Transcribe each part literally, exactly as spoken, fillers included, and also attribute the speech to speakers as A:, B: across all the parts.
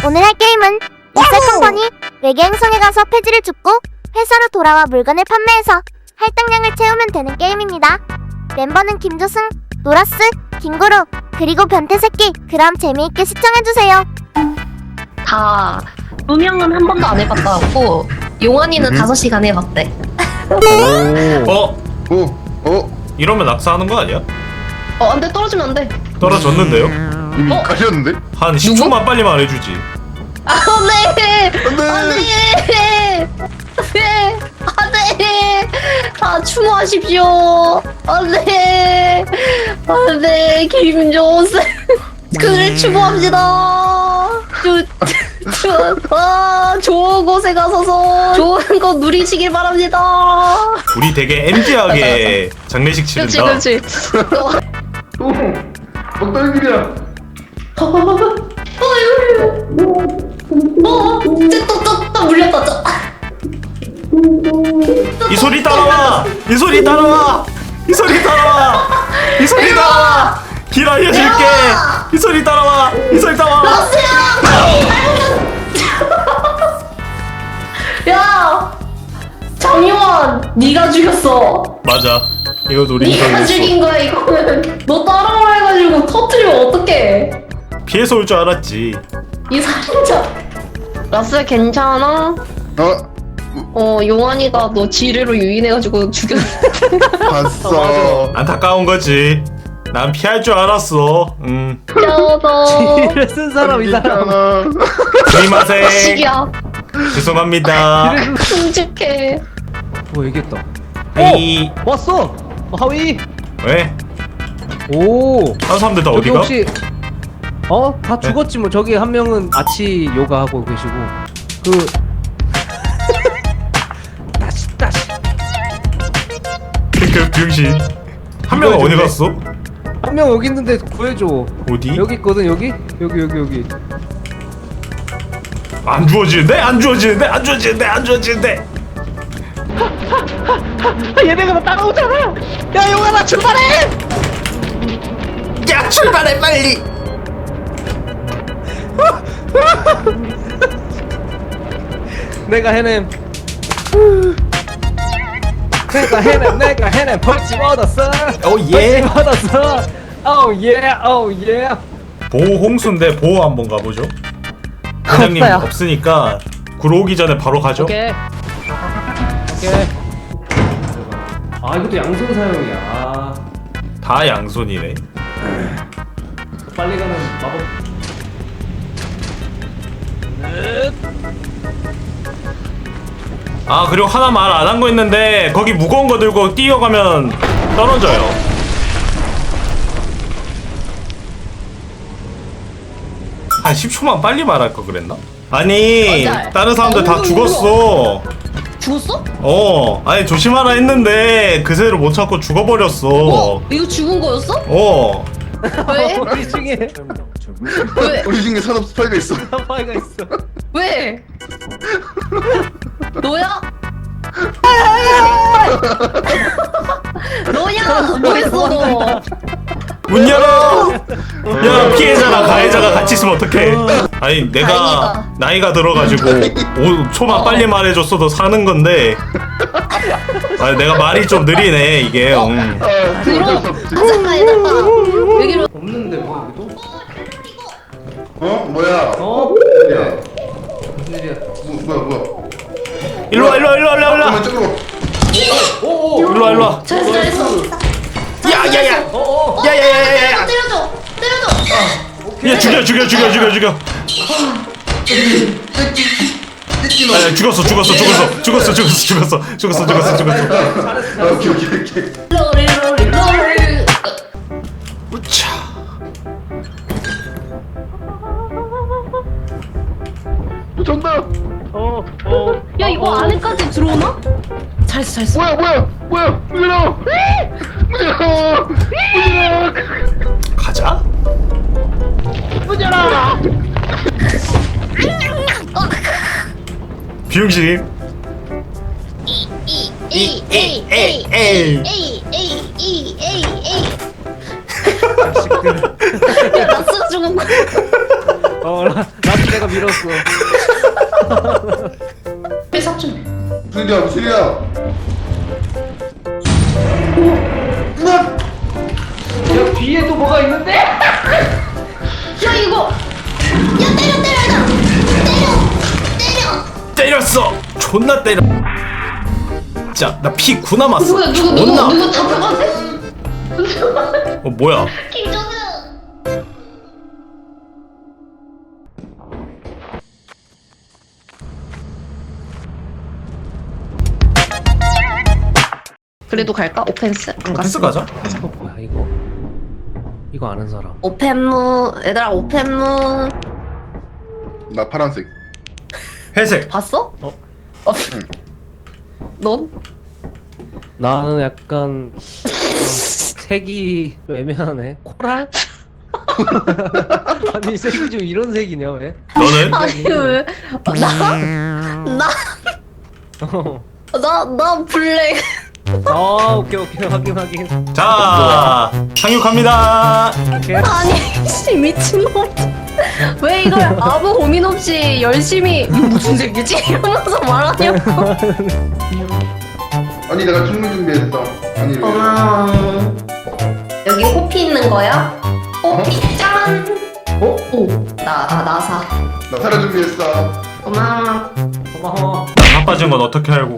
A: 오늘 할 게임은 리셀컴퍼니 외계 행성에 가서 폐지를 줍고 회사로 돌아와 물건을 판매해서 할당량을 채우면 되는 게임입니다. 멤버는 김조승, 노라스, 김구루, 그리고 변태새끼. 그럼 재미있게 시청해주세요.
B: 다 루명은 한 번도 안 해봤다고 용환이는
C: 음.
B: 다섯 시간 해봤대.
D: 어?
C: 오, 어?
D: 이러면 낙사하는 거 아니야?
B: 어 안돼 떨어지면 안돼.
D: 떨어졌는데요?
C: 이미
B: 어?
C: 가셨는데?
D: 한 십 초만 빨리 말해주지.
B: 안돼
C: 안 돼!
B: 안돼 안돼 안돼 다 추모하십시오. 안돼 안돼 김조승 그를 추모합니다. 저, 저, 아, 좋은 곳에 가서서 좋은 거 누리시길 바랍니다.
D: 우리 되게 엠지하게 장례식
B: 그렇지
D: 치른다.
B: 그렇지.
C: 오! 먹다는 길이야!
B: 어, 또또또 물렸다. 저.
D: 이 소리 따라와! 이 소리 따라와! 이 소리 따라와! 이 소리 따라와! 길 알려줄게! 이 소리 따라와! 이 소리 따라와!
B: 야, 장용환, 네가 죽였어.
D: 맞아. 이거 우리
B: 네가
D: 인정했어.
B: 죽인 거야 이거는. 너 따라오라 해가지고 터트리면 어떡해?
D: 피해서 올 줄 알았지.
B: 이 살인자. 라스 괜찮아?
C: 어?
B: 어, 용환이가 너 지뢰로 유인해가지고 죽였어.
C: 봤어.
D: 안타까운 거지. 난 피할 줄 알았어. 음.
B: 쩌서.
E: 지뢰를 쓴 사람 이 사람
C: 괜찮아.
D: 스미마세.
B: 식이야.
D: 죄송합니다.
B: 끔찍해.
E: 뭐 얘기했다.
D: 이
E: 왔어. 어, 하위.
D: 왜?
E: 오.
D: 다른 사람들 다
E: 저기
D: 어디가?
E: 혹시 어? 다 죽었지 뭐. 저기 한 명은 아치 요가 하고 계시고 그 다시 다시
D: 그 병신. 한 명은 어디 갔어?
E: 한 명 여기 있는데 구해줘.
D: 어디?
E: 여기 있거든. 여기 여기 여기 여기.
D: 안 주워지는데? 안 주워지는데? 안 주워지는데? 안 주워지는데?
E: 얘네가 나 따라오잖아. 야 용아나 출발해.
D: 야 출발해 빨리.
E: 내가 해냄. 내가 해냄. 내가 해냄. 벌집 얻었어.
D: 오 예.
E: 벌집 얻었어. 오예오예.
D: 보호 홍수인데 보호 한번 가보죠. 회장님
E: 없어요.
D: 없으니까 구로 오기 전에 바로 가죠.
E: 오케이. 오케이. 아 이것도 양손 사용이야. 아,
D: 다 양손이네.
E: 빨리 가는 마법.
D: 아 그리고 하나 말 안 한 거 있는데 거기 무거운 거 들고 뛰어가면 떨어져요. 한 십 초만 빨리 말할 거 그랬나? 아니
B: 맞아.
D: 다른 사람들 다
B: 어우,
D: 죽었어.
B: 죽었어?
D: 어 아니 조심하라 했는데 그새를 못 찾고 죽어버렸어.
B: 어? 이거 죽은 거였어?
D: 어
B: 왜?
E: 우리 중에
B: 왜?
C: 우리 중에 산업 스파이가 있어.
E: 사파이가 있어.
B: 왜? 너야? 너야? 뭐했어 너?
D: 문 열어! 야 피해자랑 가해자가 같이 있으면 어떡해. 아니 내가
B: 다행이다.
D: 나이가 들어가지고 오 초만
B: 어.
D: 빨리 말해줬어도 사는 건데 아니 내가 말이 좀 느리네 이게. 음.
C: 아,
B: 그럼
C: 어쩔 수 없지.
B: 가자가 여기로.
E: 없는데 뭐 여기도?
C: 어? 뭐야?
E: 어?
C: 야,
E: 무슨 일이야?
C: 뭐, 뭐야, 뭐야?
D: 일로와 일로와 일로와 일로와
C: 잠깐만, 저기로.
E: 오오.
D: 일로와 일로와.
B: 잘했어 잘했어.
D: 야야야
E: 어어.
D: 야야야야야.
B: 때려줘 때려줘.
D: 야 죽여 죽여 죽여 죽여 죽여.
C: 찢기 너.
D: 아 죽었어 죽었어 죽었어 죽었어 죽었어 죽었어 죽었어 죽었어 죽었어.
C: 아, 오케이, 오케이, 오케이.
B: 롤리 롤리 롤리.
D: 우차.
C: 정답!
E: 어 어.
B: 야 이거 안에까지 들어오나? 잘했어 잘했어.
C: 뭐야, 뭐야, 뭐야! 문 열어! 문 열어! 문 열어!
D: 가자. 비용식.
B: 에이 에이 에이 에이 에이 에이 에이 에이 에이. 야 라스가 죽은 거.
E: 어 라, 라스 내가 밀었어.
B: 회사 좀.
C: 무슨 일이야 무슨 일이야.
E: 야 뒤에 또 뭐가 있는데?
B: 야 이거.
A: 야 때려 때려 나 때려 때려.
D: 때렸어. 존나 때려. 자, 나 피 구 남았어.
B: 누구야 누구 누구
D: 존나.
B: 누구 잡혀갔어?
D: 어 뭐야?
A: 김조승.
B: 그래도 갈까? 오펜스 안
D: 패스
B: 갔어.
D: 가자.
E: 이거 뭐야 이거? 이거 아는 사람.
B: 오펜무 얘들아 오펜무
C: 나 파란색.
D: 회색.
B: 봤어?
E: 어?
B: 어. 넌?
E: 나는 약간 어, 색이 좀 애매하네. 코랄? 아니 색이 좀 이런 색이냐 왜?
D: 너는?
B: 아니 왜? 나? 나?
E: 어.
B: 나, 나 블랙.
E: 아 오케이 오케이 확인 확인.
D: 자, 상륙합니다.
E: 오케이.
B: 아니, 씨, 미친놈. 왜 이걸 아무 고민 없이 열심히, 이거 무슨 색이지? 이러면서 말하냐고.
C: 아니 내가 충분 준비했어. 아니 왜?
B: 고마워. 여기 호피 있는 거야? 호피 짠! 어? 오, 나, 아, 나사.
C: 나 사료 준비했어.
B: 고마워.
E: 고마워.
D: 나 바빠진 건 어떻게 알고?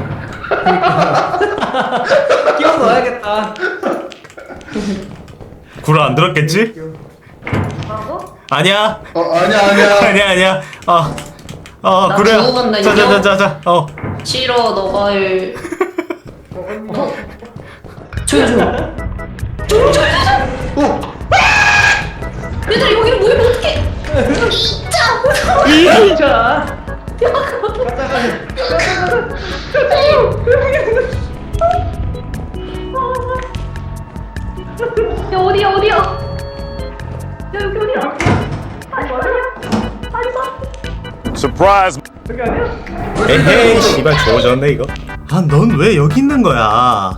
E: 끼워 넣어야겠다.
D: 구라 안 들었겠지? 아니야.
C: 어 아니야 아니야.
D: 아니야 아니야. 어. 어
B: 나
D: 그래.
B: 죽어간다, 인형.
D: 자자자자자. 어.
B: 싫어, 너가 일. 어? 조용, 조용. 조용, 조용, 조용.
C: 오.
B: 얘들아, 여기를 모이면 어떡해? 진짜!
E: 진짜.
B: 야, 어디야, 어디야? 야, 여기 어디야? 아니, 어디야? 아니, 봐.
F: Surprise!
D: 에헤이 씨발 좋아졌네 이거. 아 넌 왜 여기 있는 거야?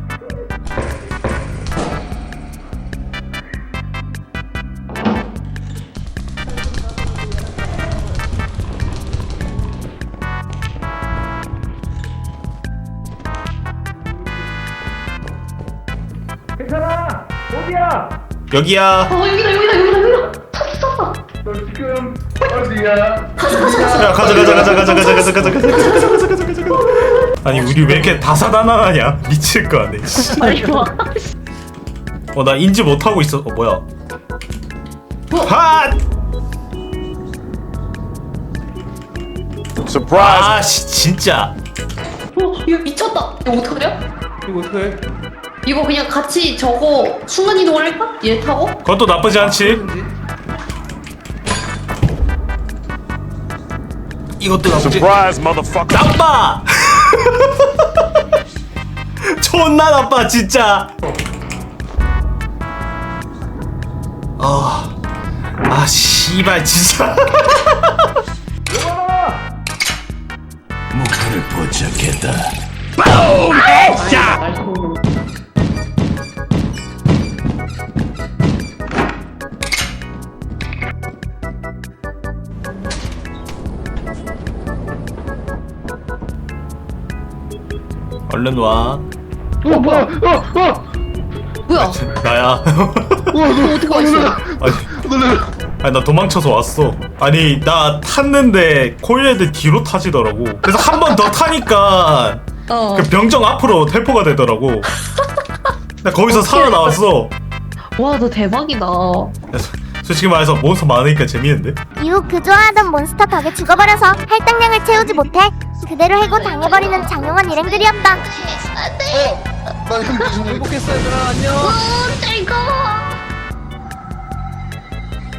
E: 괜찮아. 어디야?
D: 여기야.
B: 어, 여기다, 여기다, 여기다, 여기다. 찾았어.
C: 너 지금 어디야?
D: 야 가자 가자 가자 가자 가자 가자 가자 가자 가자 가자 가자 가자 가자. 아니 우리 왜 이렇게 다사다난하냐? 미칠 거 아니야.
B: 빨리 와.
D: 어나 인지 못 하고 있어. 어 뭐야? 핫!
F: Surprise!
D: 아씨 진짜.
B: 어, 이거 미쳤다. 이거 어떡하냐?
E: 이거 어떡해?
B: 이거 그냥 같이 저거 순간이동을 할까? 얘 타고?
D: 그것도 나쁘지 않지. 이것도 나쁘지.
F: Surprise, motherfucker!
D: 나빠. 존나 나빠 진짜. 아, 아 씨발 진짜. 목표를 포착했다. 뿜! 자. 얼른 와.
C: 어 뭐야? 어 어.
B: 뭐야?
D: 나야.
C: 너
B: 어떻게 와 있어?
D: 아니,
C: 놀래.
D: 아니 나 도망쳐서 왔어. 아니 나 탔는데 코일헤드 뒤로 타지더라고. 그래서 한 번 더 타니까
B: 어.
D: 그 병정 앞으로 텔포가 되더라고. 나 거기서 살아나왔어.
B: 와, 너 대박이다.
D: 그래서 솔직히 말해서 몬스터 많으니까 재밌는데?
A: 이후 그 좋아하던 몬스터 덕에 죽어버려서 할당량을 채우지 못해 그대로 해고 당해버리는 장용한 일행들이었다.
C: 어. 나 현지 중.
E: 행복했어 얘들아 안녕.
A: 음, 즐거워.